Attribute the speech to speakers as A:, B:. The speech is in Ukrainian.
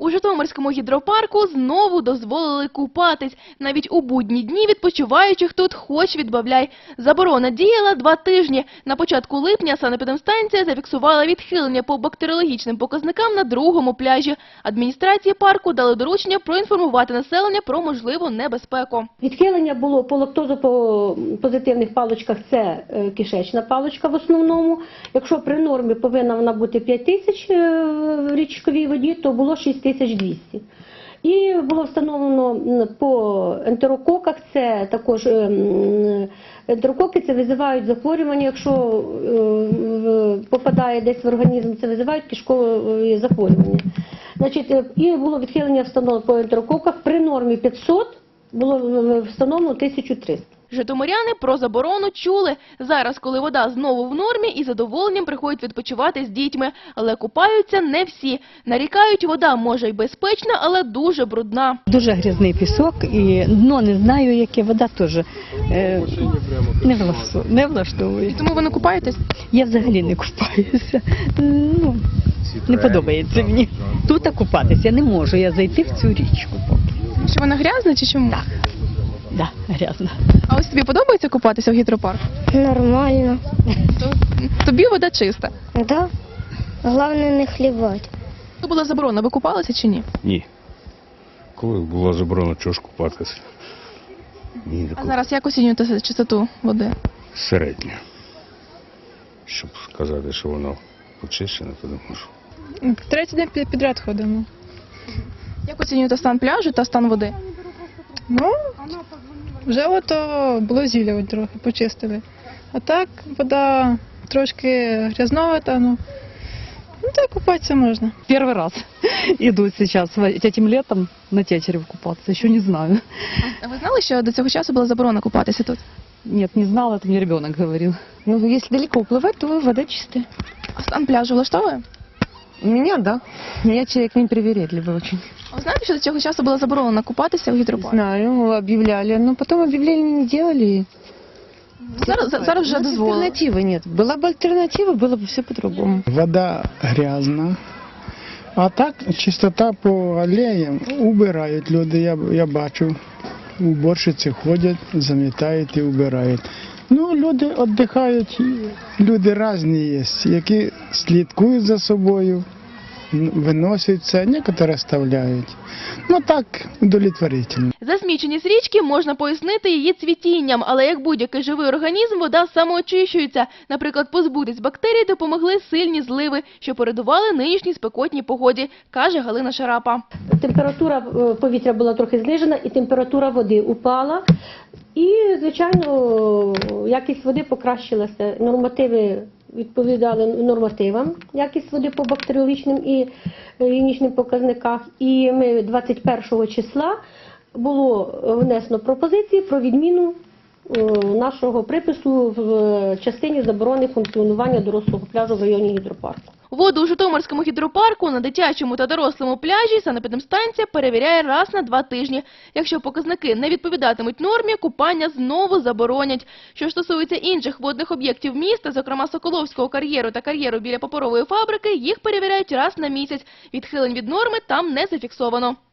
A: У Житомирському гідропарку знову дозволили купатись. Навіть у будні дні відпочиваючих тут хоч відбавляй. Заборона діяла 2 тижні. На початку липня санепідемстанція зафіксувала відхилення по бактеріологічним показникам на другому пляжі. Адміністрації парку дали доручення проінформувати населення про можливу небезпеку.
B: Відхилення було по лактозопозитивних паличках, це кишечна паличка в основному. Якщо при нормі повинна вона бути 5 тисяч в річковій воді, то було 6200. І було встановлено по ентерококах, це також ентерококи, це визивають захворювання, якщо попадає десь в організм, це визивають кишкові захворювання. Значить, і було відхилення встановлено по ентерококах, при нормі 500 було встановлено 1300.
A: Житомиряни про заборону чули. Зараз, коли вода знову в нормі, із задоволенням приходять відпочивати з дітьми. Але купаються не всі. Нарікають, вода може й безпечна, але дуже брудна.
C: Дуже грязний пісок і дно не знаю, яке, вода теж не влаштовує.
A: Тому ви не купаєтесь?
C: Я взагалі не купаюся. Не подобається мені. Тут купатися не можу я зайти в цю річку.
A: Що вона грязна чи чому?
C: Так. Да, грязно.
A: А ось тобі подобається купатися в гідропарку?
D: Нормально.
A: Тобі вода чиста?
D: Да. Головне не хлібати.
A: Коли була заборона, ви купалися чи ні?
E: Ні. Коли була заборона, чого ж купатися? Ні,
A: А зараз як оцінюєте чистоту води?
E: середньо. Щоб сказати, що воно очищене, то не можу.
F: Третій день підряд ходимо.
A: Як оцінюєте стан пляжу та стан води?
F: Ну, вже ото було зілля от трохи, почистили. А так, вода трошки грязновата, ну так купатися можна.
G: Первый раз иду сейчас этим летом на Тетерев купаться, еще не знаю.
A: А ви знали, що до цього часу була заборона купатися тут?
G: Нет, не знала, это мне ребенок говорил.
H: Ну, если далеко уплывать, то вода чистая.
A: А стан пляжу влаштовує?
H: У меня, да. Я человек непривередливый очень.
A: А ви знаєте, що до цього часу була заборонена купатися в гідропарку?
H: Знаю, объявляли, но потом объявления не делали.
A: Зараз вже
H: У нас
A: дозволили.
H: альтернативы нет. Была бы альтернатива, было бы все по-другому.
I: Вода грязна, а так чистота по алеям убирають люди, я бачу. Уборщиці ходять, замітають і убирають. Ну, люди віддихають, люди різні є, які слідкують за собою, виносять це, некоторі оставляють. Ну так, удовлетворительно.
A: Засміченість річки можна пояснити її цвітінням, але як будь-який живий організм, вода самоочищується. Наприклад, позбутись бактерій допомогли сильні зливи, що передували нинішній спекотній погоді, каже Галина Шарапа.
B: Температура повітря була трохи знижена і температура води упала. І, звичайно, якість води покращилася. Нормативи відповідали нормативам, якість води по бактеріологічним і гігієнічним показниках. І ми 21 числа було внесено пропозиції про відміну нашого припису в частині заборони функціонування дорослого пляжу в районі гідропарку.
A: Воду у Житомирському гідропарку на дитячому та дорослому пляжі санепідемстанція перевіряє раз на 2 тижні. Якщо показники не відповідатимуть нормі, купання знову заборонять. Що стосується інших водних об'єктів міста, зокрема Соколовського кар'єру та кар'єру біля паперової фабрики, їх перевіряють раз на місяць. Відхилень від норми там не зафіксовано.